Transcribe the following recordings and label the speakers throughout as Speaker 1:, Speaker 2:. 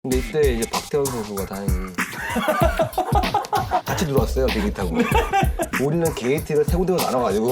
Speaker 1: 근데 이때 이제 박태환 선수가 다행히 같이 들어왔어요, 비행기 타고. 우리는 게이트를 세 군데로 나눠가지고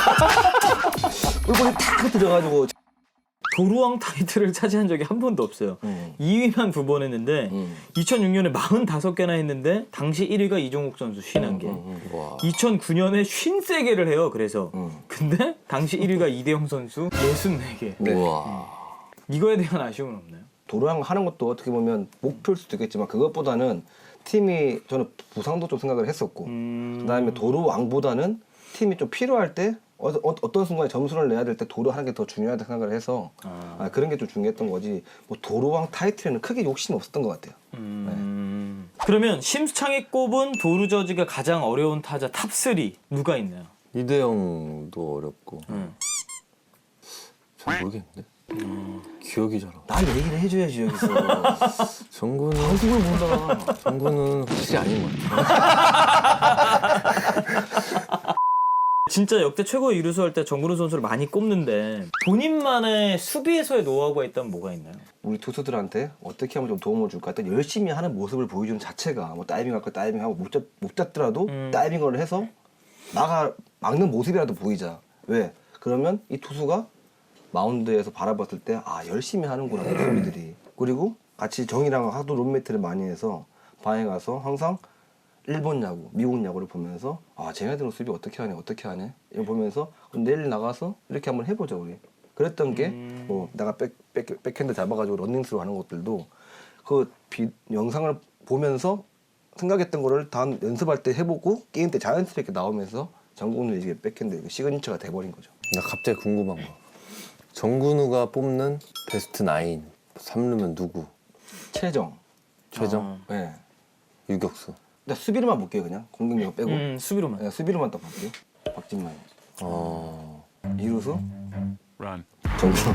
Speaker 1: 꿀꿀이 탁 들어가지고.
Speaker 2: 도루왕 타이틀을 차지한 적이 한 번도 없어요. 2위만 2번 했는데 2006년에 45개나 했는데 당시 1위가 이종욱 선수 51개. 2009년에 53개를 해요. 그래서 근데 당시 1위가 이대영 선수 64개.
Speaker 1: 네.
Speaker 2: 이거에 대한 아쉬움은 없나요?
Speaker 1: 도루왕 하는 것도 어떻게 보면 목표일 수도 있겠지만 그것보다는 팀이 저는 부상도 좀 생각을 했었고 그다음에 도루왕보다는 팀이 좀 필요할 때 어떤 순간에 점수를 내야 될 때 도루 하는 게 더 중요하다 생각을 해서 그런 게 좀 중요했던 거지. 뭐 도루왕 타이틀에는 크게 욕심이 없었던 것 같아요.
Speaker 2: 그러면 심수창이 꼽은 도루 저지가 가장 어려운 타자 탑3 누가 있나요?
Speaker 3: 이대영도 어렵고 잘 모르겠는데 기억이 잘 안 나.
Speaker 1: 날 얘기를 해줘야지 여기서.
Speaker 3: 정구는
Speaker 1: 방송을 본다.
Speaker 3: 정구는 확실히 아닌 것 같아.
Speaker 2: 진짜 역대 최고의 이루수 할 때 정근우 선수를 많이 꼽는데 본인만의 수비에서의 노하우가 있다면 뭐가 있나요?
Speaker 1: 우리 투수들한테 어떻게 하면 좀 도움을 줄까? 일단 열심히 하는 모습을 보여주는 자체가 뭐 다이빙 할 거 다이빙하고 못 잡더라도 다이빙을 해서 막는 모습이라도 보이자. 왜? 그러면 이 투수가 마운드에서 바라봤을 때 열심히 하는구나 수비들이. 그리고 같이 정이랑 하도 룸메이트를 많이 해서 방에 가서 항상 일본 야구, 미국 야구를 보면서 쟤네들은 수비 어떻게 하네 이거 보면서 내일 나가서 이렇게 한번 해보자 우리. 그랬던 게 뭐 내가 백핸드 잡아가지고 런닝스로 하는 것들도 그 영상을 보면서 생각했던 거를 다음 연습할 때 해보고 게임 때 자연스럽게 나오면서 정근우 이제 백핸드 시그니처가 돼버린 거죠.
Speaker 3: 나 갑자기 궁금한 거. 정근우가 뽑는 베스트 9 3루면 누구?
Speaker 1: 최정. 네.
Speaker 3: 유격수.
Speaker 1: 나 수비로만 볼게요 그냥 공격력 빼고.
Speaker 2: 수비로만.
Speaker 1: 네, 수비로만 딱 볼게요. 박진만. 이루수. 정근우.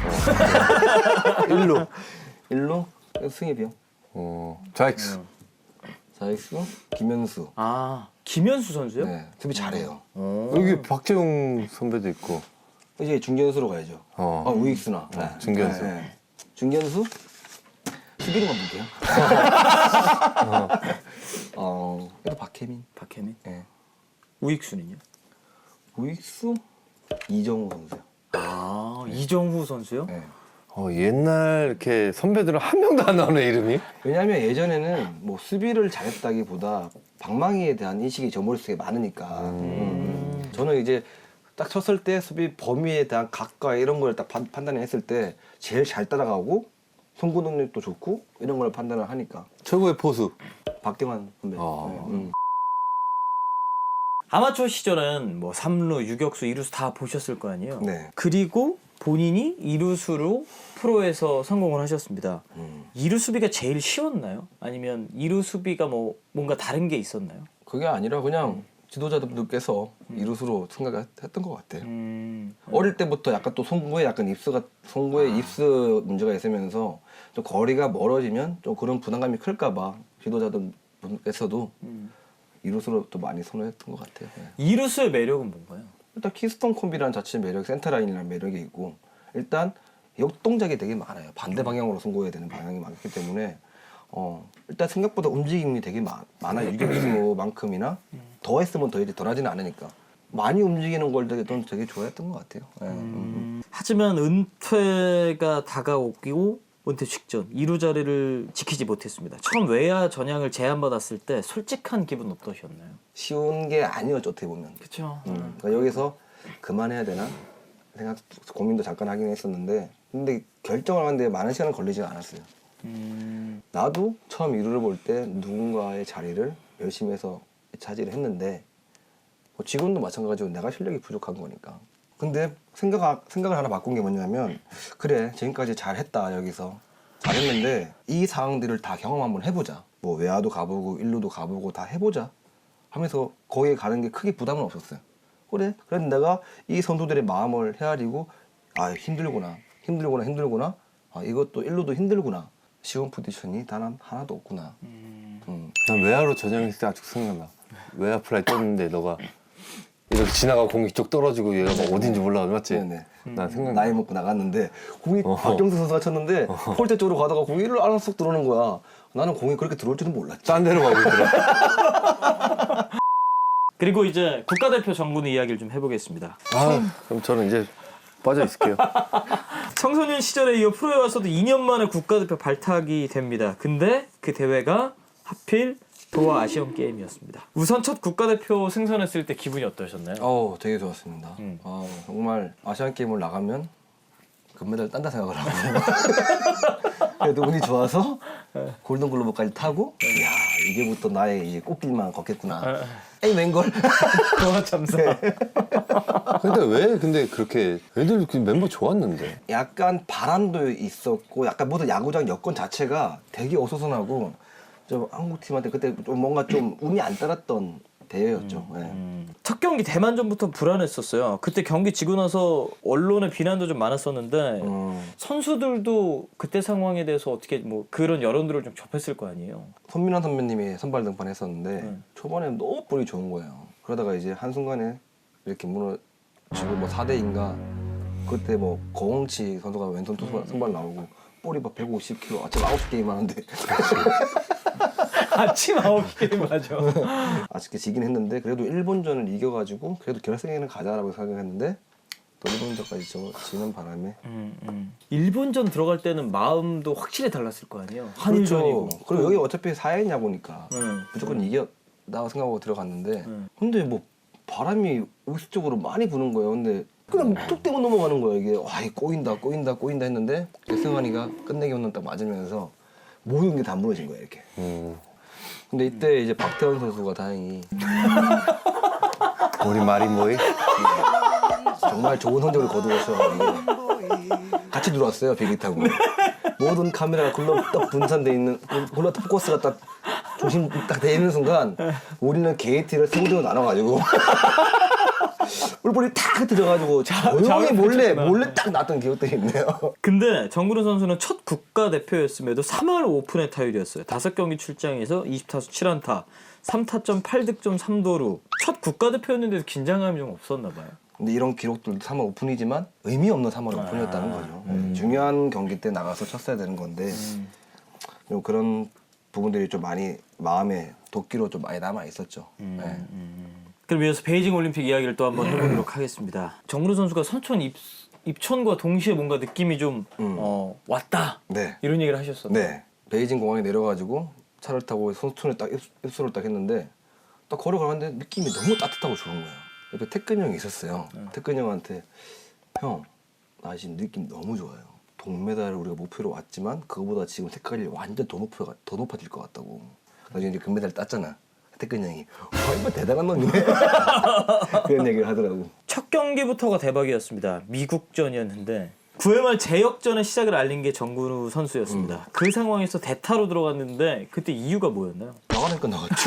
Speaker 1: 1루 승엽이요.
Speaker 3: 좌익수.
Speaker 1: 자익수 김현수.
Speaker 2: 김현수 선수요?
Speaker 1: 네, 수비 잘해요.
Speaker 3: 여기 박재웅 선배도 있고.
Speaker 1: 이제 중견수로 가야죠. 우익수나.
Speaker 3: 중견수.
Speaker 1: 네. 중견수 수비로만 볼게요. 그래도 박혜민. 네.
Speaker 2: 우익수는요?
Speaker 1: 우익수 이정우 선수요.
Speaker 2: 이정후 선수요?
Speaker 1: 네.
Speaker 3: 옛날 이렇게 선배들은 한 명도 안 나오네 이름이.
Speaker 1: 왜냐하면 예전에는 뭐 수비를 잘했다기보다 방망이에 대한 인식이 저 머릿속에 많으니까. 저는 이제 딱 쳤을 때 수비 범위에 대한 각과 이런 걸 딱 판단했을 때 제일 잘 따라가고 송구 능력도 좋고 이런 걸 판단을 하니까.
Speaker 3: 최고의 포수.
Speaker 1: 박대환 선배.
Speaker 2: 아마추어 시절은 뭐 3루, 유격수, 이루수 다 보셨을 거 아니에요?
Speaker 1: 네.
Speaker 2: 그리고 본인이 이루수로 프로에서 성공을 하셨습니다. 이루 수비가 제일 쉬웠나요? 아니면 이루 수비가 뭐 뭔가 다른 게 있었나요?
Speaker 1: 그게 아니라 그냥 지도자분들께서 이루수로 생각했던 것 같아요. 어릴 때부터 약간 또 송구에 입수 문제가 있으면서 좀 거리가 멀어지면 좀 그런 부담감이 클까봐 지도자분께서도 이루수로 또 많이 선호했던 것 같아요. 네.
Speaker 2: 이루수의 매력은 뭔가요?
Speaker 1: 일단 키스톤 콤비라는 자체의 매력, 센터라인이라는 매력이 있고 일단 역동작이 되게 많아요. 반대 방향으로 송구해야 되는 방향이 많기 때문에 일단 생각보다 움직임이 되게 많아요. 유격수만큼이나 더 했으면 더 이제 덜하지는 않으니까 많이 움직이는 걸 되게 좋아했던 것 같아요.
Speaker 2: 하지만 은퇴가 다가오고 은퇴 직전 2루 자리를 지키지 못했습니다. 처음 외야 전향을 제안받았을 때 솔직한 기분 어떠셨나요?
Speaker 1: 쉬운 게 아니었죠, 어떻게 보면.
Speaker 2: 그렇죠.
Speaker 1: 그러니까 여기서 그만해야 되나 생각 고민도 잠깐 하긴 했었는데 근데 결정을 하는데 많은 시간은 걸리지 않았어요. 나도 처음 이루를 볼 때 누군가의 자리를 열심히 해서 차지를 했는데 뭐 지금도 마찬가지로 내가 실력이 부족한 거니까. 근데 생각을 하나 바꾼 게 뭐냐면 그래 지금까지 잘했다 여기서 잘했는데 이 상황들을 다 경험 한번 해보자. 뭐 외야도 가보고 일루도 가보고 다 해보자 하면서 거기에 가는 게 크게 부담은 없었어요. 그래 내가 이 선수들의 마음을 헤아리고 힘들구나 이것도 일루도 힘들구나 쉬운 포지션이 단 하나도 없구나.
Speaker 3: 난 외야로 전향했을 때 아직 생각나. 외야 플라이 떴는데 너가 이렇게 지나가 공이 쪽 떨어지고 얘가 막 어딘지 몰라 맞지?
Speaker 1: 네네.
Speaker 3: 난 생각나.
Speaker 1: 나이 먹고 나갔는데 공이 박경수 선수가 쳤는데 폴대 쪽으로 가다가 공이 일로 안으로 쏙 들어오는 거야. 나는 공이 그렇게 들어올 줄은 몰랐지.
Speaker 3: 딴 데로 가고 있더라.
Speaker 2: 그리고 이제 국가대표 정근우 이야기를 좀 해보겠습니다.
Speaker 3: 그럼 저는 이제 빠져 있을게요.
Speaker 2: 청소년 시절에 이어 프로에 와서도 2년 만에 국가대표 발탁이 됩니다. 근데 그 대회가 하필 도하 아시안 게임이었습니다. 우선 첫 국가대표 승선했을 때 기분이 어떠셨나요?
Speaker 1: 되게 좋았습니다. 정말 아시안 게임을 나가면 금메달 딴다 생각을 하거든요. 그래도 운이 좋아서 골든글로브까지 타고, 이야 이제부터 나의 이제 꽃길만 걷겠구나. 에이 웬걸?
Speaker 2: 도하 참사.
Speaker 3: 근데 그렇게 애들 그 멤버 좋았는데.
Speaker 1: 약간 바람도 있었고, 약간 모든 야구장 여건 자체가 되게 어수선하고, 좀 한국 팀한테 그때 좀 뭔가 좀 운이 안 따랐던 대회였죠.
Speaker 2: 첫 경기 대만전부터 불안했었어요. 그때 경기 지고 나서 언론의 비난도 좀 많았었는데 선수들도 그때 상황에 대해서 어떻게 뭐 그런 여론들을 좀 접했을 거 아니에요.
Speaker 1: 손민환 선배님이 선발 등판했었는데 초반에 너무 볼이 좋은 거예요. 그러다가 이제 한순간에 이렇게 무너지고 뭐 4대인가 그때 뭐 거홍치 선수가 왼손 투수 선발 나오고 볼이 막 150kg 아침 9게임 하는데
Speaker 2: 아침 9시 맞아.
Speaker 1: 아쉽게 지긴 했는데 그래도 일본전을 이겨가지고 그래도 결승에는 가자라고 생각했는데 또 일본전까지 지는 바람에
Speaker 2: 일본전 들어갈 때는 마음도 확실히 달랐을 거 아니에요. 한일전이고.
Speaker 1: 그렇죠. 그리고 여기 어차피 4회냐 야구니까 무조건 이겼다고 생각하고 들어갔는데 근데 뭐 바람이 우수적으로 많이 부는 거예요. 근데 그냥 툭 떼고 넘어가는 거예요. 이게 와 꼬인다 했는데 승환이가 끝내기 홈런 딱 맞으면서 모든 게 다 무너진 거예요. 이렇게. 근데 이때 이제 박태원 선수가 다행히
Speaker 3: 우리 마린보이
Speaker 1: 정말 좋은 성적을 거두었어요. 같이 들어왔어요. 비행기 타고. 모든 카메라가 글로 딱 분산돼 있는 글로 포커스가 딱 중심 딱 돼 있는 순간 우리는 게이트를 세구대로 나눠가지고 울볼이 탁 들어가지고 조용히 몰래 딱 났던 기억들이 있네요.
Speaker 2: 근데 정근우 선수는 첫 국가대표였음에도 3할 오픈의 타율이었어요. 5경기 출장에서 20타수 7안타, 3타점 8득점 3도루. 첫 국가대표였는데도 긴장감이 좀 없었나 봐요.
Speaker 1: 근데 이런 기록들도 3월 오픈이지만 의미 없는 3월 오픈이었다는 거죠. 중요한 경기 때 나가서 쳤어야 되는 건데 그런 부분들이 좀 많이 마음에 도끼로 좀 많이 남아 있었죠.
Speaker 2: 그럼 이어서 베이징 올림픽 이야기를 또 한번 해보도록 하겠습니다. 정근우 선수가 선촌 입촌과 동시에 뭔가 느낌이 좀 왔다.
Speaker 1: 네.
Speaker 2: 이런 얘기를 하셨었죠.
Speaker 1: 네. 베이징 공항에 내려가지고 차를 타고 선촌에 딱 입소를 딱 했는데 딱 걸어가는데 느낌이 너무 따뜻하고 좋은 거예요. 옆에 태근이 형이 있었어요. 태근이 형한테 형, 나 지금 느낌 너무 좋아요. 동메달을 우리가 목표로 왔지만 그거보다 지금 색깔이 완전 더 높아질 것 같다고. 나중에 이제 금메달 땄잖아. 태근이 형이 와 이거 대단한 놈이네. 그런 얘기를 하더라고.
Speaker 2: 첫 경기부터가 대박이었습니다. 미국전이었는데 9회 말 제역전의 시작을 알린 게 정근우 선수였습니다. 그 상황에서 대타로 들어갔는데 그때 이유가 뭐였나요?
Speaker 1: 나가니까 나갔지.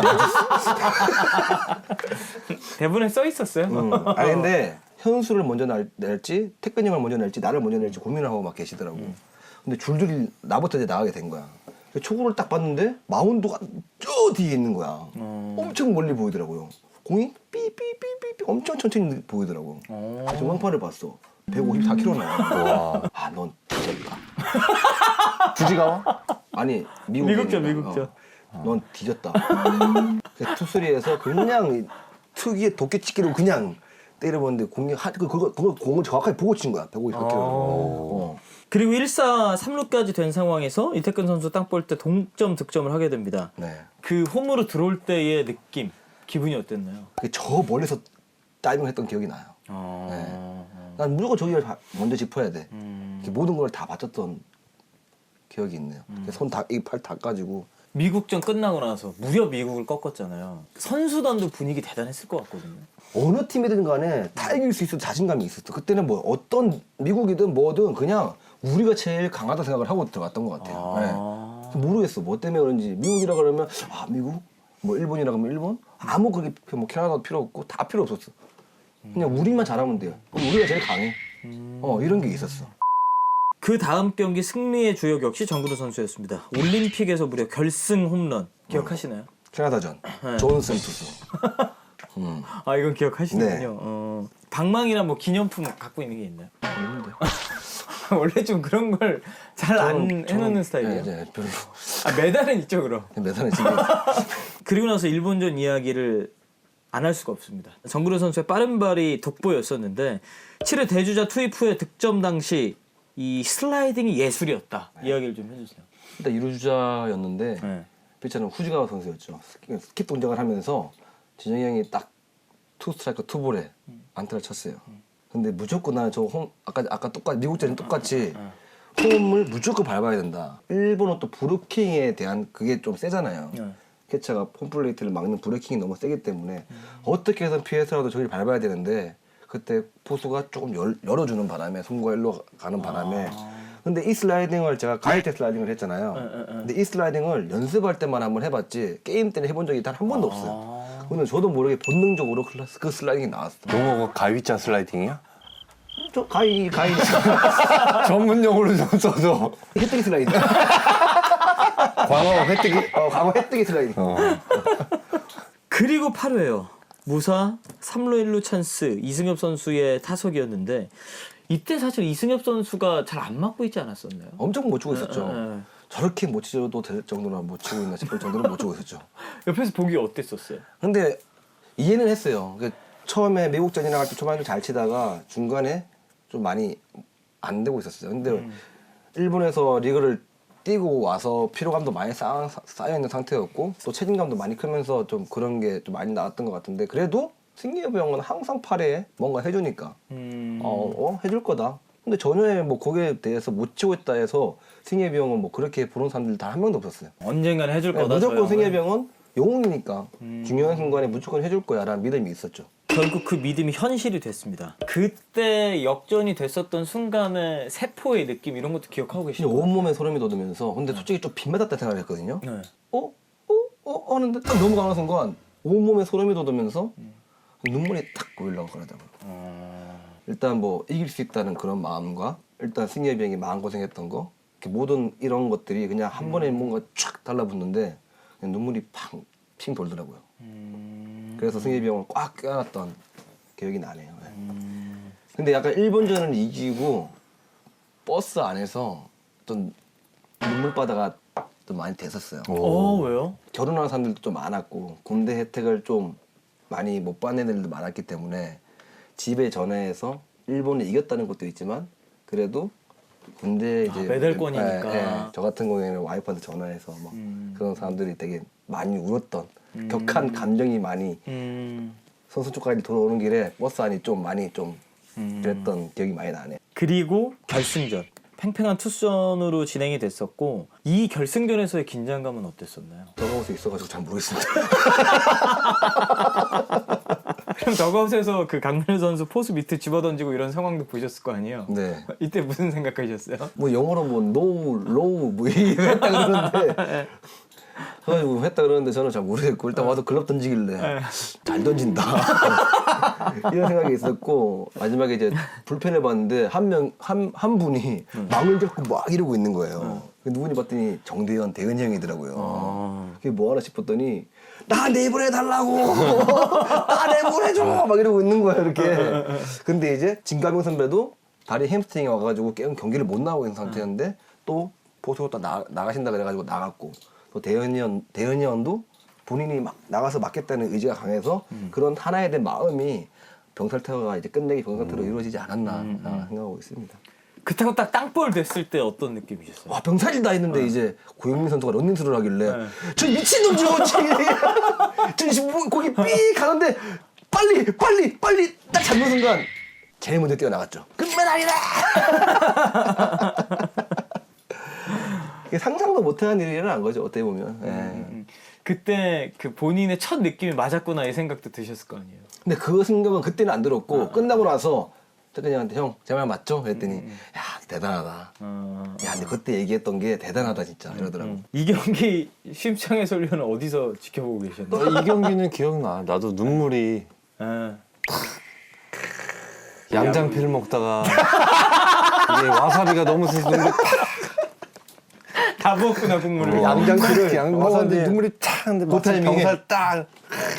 Speaker 2: 대본에 써 있었어요.
Speaker 1: 아니 근데 현수를 먼저 낼지 태근이 형을 먼저 낼지 나를 먼저 낼지 고민을 하고 막 계시더라고. 근데 줄줄이 나부터 이제 나가게 된 거야. 초구를 딱 봤는데 마운드가 저 뒤에 있는 거야. 엄청 멀리 보이더라고요. 공이 삐삐삐삐삐 엄청 천천히 보이더라고. 그래서 왕판을 봤어. 154km 나와. 아, 넌 뒤졌다.
Speaker 3: 굳이 가와?
Speaker 1: 아니
Speaker 2: 미국전.
Speaker 1: 넌 뒤졌다. 투수리에서 그냥 특유의 도끼치기로 그냥 때려봤는데 공이 그거 공을 정확하게 보고 친 거야. 154km.
Speaker 2: 그리고 1사 3루까지 된 상황에서 이태근 선수 땅 볼 때 동점 득점을 하게 됩니다.
Speaker 1: 네.
Speaker 2: 그 홈으로 들어올 때의 느낌, 기분이 어땠나요?
Speaker 1: 저 멀리서 다이빙했던 기억이 나요. 네. 난 무조건 저기를 먼저 짚어야 돼. 모든 걸 다 바쳤던 기억이 있네요. 손 다, 이 팔 다 까지고.
Speaker 2: 미국전 끝나고 나서 무려 미국을 꺾었잖아요. 선수단도 분위기 대단했을 것 같거든요.
Speaker 1: 어느 팀이든 간에 다 이길 수 있어 자신감이 있었어. 그때는 뭐 어떤 미국이든 뭐든 그냥 우리가 제일 강하다 생각을 하고 들어갔던 것 같아요. 네. 모르겠어. 뭐 때문에 그런지. 미국이라 그러면 미국? 뭐 일본이라 그러면 일본? 아무 그게 뭐 캐나다도 필요 없고 다 필요 없었어. 그냥 우리만 잘하면 돼요. 그럼 우리가 제일 강해. 이런 게 있었어.
Speaker 2: 그 다음 경기 승리의 주역 역시 정근우 선수였습니다. 올림픽에서 무려 결승 홈런 기억하시나요?
Speaker 1: 캐나다전. 존슨 투수.
Speaker 2: 이건 기억하시는군요.
Speaker 1: 네.
Speaker 2: 방망이나 뭐 기념품 갖고 있는 게 있나요?
Speaker 1: 없는데.
Speaker 2: 원래 좀 그런 걸 잘 안 해놓는 스타일이에요.
Speaker 1: 네, 별로.
Speaker 2: 메달은 있죠 그럼.
Speaker 1: 메달은 지금
Speaker 2: 그리고 나서 일본전 이야기를 안 할 수가 없습니다. 정근우 선수의 빠른 발이 돋보였었는데 7회 대주자 투입 후에 득점 당시 이 슬라이딩이 예술이었다. 이야기를 좀 해주세요.
Speaker 1: 일단 2루주자였는데
Speaker 2: 네.
Speaker 1: 피처는 후지가와 선수였죠. 스킵 동작을 하면서 진영이 형이 딱 투 스트라이크 투볼에 안타를 쳤어요. 근데 무조건 나는 저 아까 똑같이 미국전이 똑같이 홈을 무조건 밟아야 된다. 일본은 또 브루킹에 대한 그게 좀 세잖아요. 캐쳐가 홈플레이트를 막는 브레이킹이 너무 세기 때문에 어떻게 해서 피해서라도 저기를 밟아야 되는데 그때 포수가 조금 열어주는 바람에 손과 일로 가는 바람에 근데 이 슬라이딩을 제가 가을 때 슬라이딩을 했잖아요. 근데 이 슬라이딩을 연습할 때만 한번 해봤지 게임 때는 해본 적이 단 한 번도 없어요. 근데 저도 모르게 본능적으로 그 슬라이딩이 나왔어.
Speaker 3: 용어가 가위자 슬라이딩이야?
Speaker 1: 저 가위
Speaker 3: 전문 용어로 좀 써줘.
Speaker 1: 혜택이 슬라이딩.
Speaker 3: 광어 혜택이.
Speaker 1: 과거 혜택이 슬라이딩.
Speaker 2: 그리고 8회요. 무사 3루 1루 찬스 이승엽 선수의 타석이었는데 이때 사실 이승엽 선수가 잘 안 맞고 있지 않았었나요?
Speaker 1: 엄청 못 치고 있었죠. 저렇게 못 치셔도 될 정도로 못 치고 있나 싶을 정도로 못 치고 있었죠.
Speaker 2: 옆에서 보기 어땠었어요?
Speaker 1: 근데 이해는 했어요. 그러니까 처음에 미국전이나 갈 때 초반에 잘 치다가 중간에 좀 많이 안 되고 있었어요. 근데 일본에서 리그를 뛰고 와서 피로감도 많이 쌓여 있는 상태였고 또 책임감도 많이 크면서 좀 그런 게 좀 많이 나왔던 것 같은데 그래도 승기엽 형은 항상 8회에 뭔가 해주니까 해줄 거다. 근데 전혀 뭐 거기에 대해서 못 치고 있다 해서 승기엽 형은 뭐 그렇게 보는 사람들 다 한 명도 없었어요.
Speaker 2: 언젠간 해줄 거다.
Speaker 1: 무조건 승기엽 형은 영웅이니까 중요한 순간에 무조건 해줄 거야라는 믿음이 있었죠.
Speaker 2: 결국 그 믿음이 현실이 됐습니다. 그때 역전이 됐었던 순간의 세포의 느낌 이런 것도 기억하고 계시죠?
Speaker 1: 온몸에 소름이 돋으면서 근데 솔직히 좀 빗맞았다 생각을 했거든요.
Speaker 2: 네.
Speaker 1: 하는데 딱 넘어가는 순간 온몸에 소름이 돋으면서 눈물이 탁 고이려고 그러더라고요. 일단 뭐 이길 수 있다는 그런 마음과 일단 승엽이 형이 마음고생했던 거 이렇게 모든 이런 것들이 그냥 한 번에 뭔가 쫙 달라붙는데 그냥 눈물이 핑 돌더라고요. 그래서 승엽이 형을 꽉 껴안았던 기억이 나네요. 근데 약간 일본전을 이기고 버스 안에서 좀 눈물바다가 좀 많이 됐었어요.
Speaker 2: 왜요?
Speaker 1: 결혼하는 사람들도 좀 많았고 군대 혜택을 좀 많이 못 받는 애들도 많았기 때문에 집에 전화해서 일본이 이겼다는 것도 있지만 그래도 군대 이제
Speaker 2: 메달권이니까.
Speaker 1: 저 같은 경우에는 와이프한테 전화해서 막 그런 사람들이 되게 많이 울었던 격한 감정이 많이 선수 쪽까지 돌아오는 길에 버스 안이 좀 많이 좀 그랬던 기억이 많이 나네.
Speaker 2: 그리고 결승전 팽팽한 투수전으로 진행이 됐었고 이 결승전에서의 긴장감은 어땠었나요?
Speaker 1: 더가웃에 있어가지고 잘 모르겠습니다.
Speaker 2: 그럼 더가웃에서 그 강민호 선수 포수 밑에 집어던지고 이런 상황도 보셨을 거 아니에요?
Speaker 1: 네.
Speaker 2: 이때 무슨 생각하셨어요?
Speaker 1: 뭐 영어로 뭐 no, low 뭐 이거 했다 그러는데 그래가지고 했다 그러는데 저는 잘 모르겠고 일단 와서 글럽 던지길래 잘 던진다 이런 생각이 있었고 마지막에 이제 불펜을 봤는데 한 분이 망을 잡고 막 이러고 있는 거예요. 누군지 봤더니 정대현 대현이 형이더라고요. 그게 뭐 하나 싶었더니 나 내보내달라고 나 내보내줘 막 이러고 있는 거예요 이렇게. 근데 이제 진가병 선배도 다리 햄스트링이 와가지고 경기를 못 나오고 있는 상태였는데 또 보수로 또 나가신다 그래가지고 나갔고 또 대현이 형도 본인이 막 나가서 맞겠다는 의지가 강해서 그런 하나에 대한 마음이 병살타가 이제 끝내기 병살타로 이루어지지 않았나 생각하고 있습니다.
Speaker 2: 그렇다고 딱 땅볼 됐을 때 어떤 느낌이셨어요?
Speaker 1: 와 병살이다 했는데 이제 고영민 선수가 런닝스를 하길래 저 미친놈 저 지금 거기 삐 가는데 빨리 딱 잡는 순간 제일 먼저 뛰어나갔죠. 금메달이다. 이게 상상도 못하는 일이라는 거죠 어떻게 보면.
Speaker 2: 그때 그 본인의 첫 느낌이 맞았구나 이 생각도 드셨을 거 아니에요?
Speaker 1: 근데 그 생각은 그때는 안 들었고 끝나고 나서 태근이한테 형 제 말 맞죠? 그랬더니 야 대단하다. 야 근데 그때 얘기했던 게 대단하다 진짜 이러더라고.
Speaker 2: 이 경기 심창의 소리는 어디서 지켜보고 계셨나요?
Speaker 3: 이 경기는 기억나. 나도 눈물이 양장피를 먹다가 이게 와사비가 너무 세서 눈물이
Speaker 2: 다 부었구나 국물을.
Speaker 1: 양장피를
Speaker 3: 먹었는데 눈물이 탁 근데
Speaker 1: 그 타이밍에
Speaker 3: 병살 딱.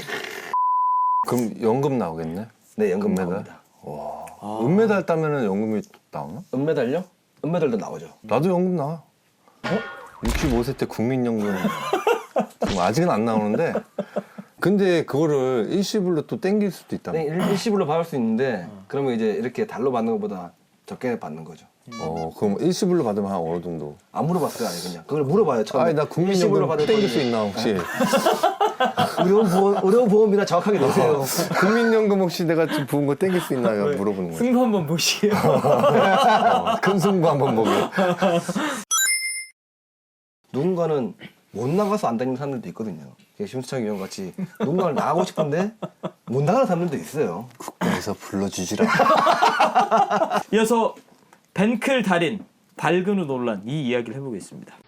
Speaker 3: 그럼 연금 나오겠네?
Speaker 1: 네 연금
Speaker 3: 금메달?
Speaker 1: 나옵니다.
Speaker 3: 은메달 따면은 연금이 나오나?
Speaker 1: 은메달요? 은메달도 나오죠.
Speaker 3: 나도 연금 나와. 65세 때 국민연금 아직은 안 나오는데 근데 그거를 일시불로 또 땡길 수도 있다.
Speaker 1: 일시불로 받을 수 있는데 그러면 이제 이렇게 달로 받는 것보다 적게 받는 거죠.
Speaker 3: 그럼 일시불로 받으면 한 어느 정도?
Speaker 1: 안 물어봤어요, 아니 그냥. 그걸 물어봐요, 처음에.
Speaker 3: 아니 나
Speaker 1: 일시불로
Speaker 3: 국민연금
Speaker 1: 받을
Speaker 3: 땡길 수
Speaker 1: 건데.
Speaker 3: 있나 혹시?
Speaker 1: 의료보험이나 정확하게 내세요.
Speaker 3: 국민연금 혹시 내가 좀 부은 거 땡길 수 있나 물어보는 거야.
Speaker 2: 승부 한번 보시게요.
Speaker 3: 큰 승부 한번 보게.
Speaker 1: 누군가는 못 나가서 안 다니는 사람들도 있거든요. 심수창 의원 같이 누군가를 나가고 싶은데 못 나가는 사람들도 있어요.
Speaker 3: 국가에서 불러주지라.
Speaker 2: 이어서 벤클 달인 발근후 논란 이 이야기를 해보겠습니다.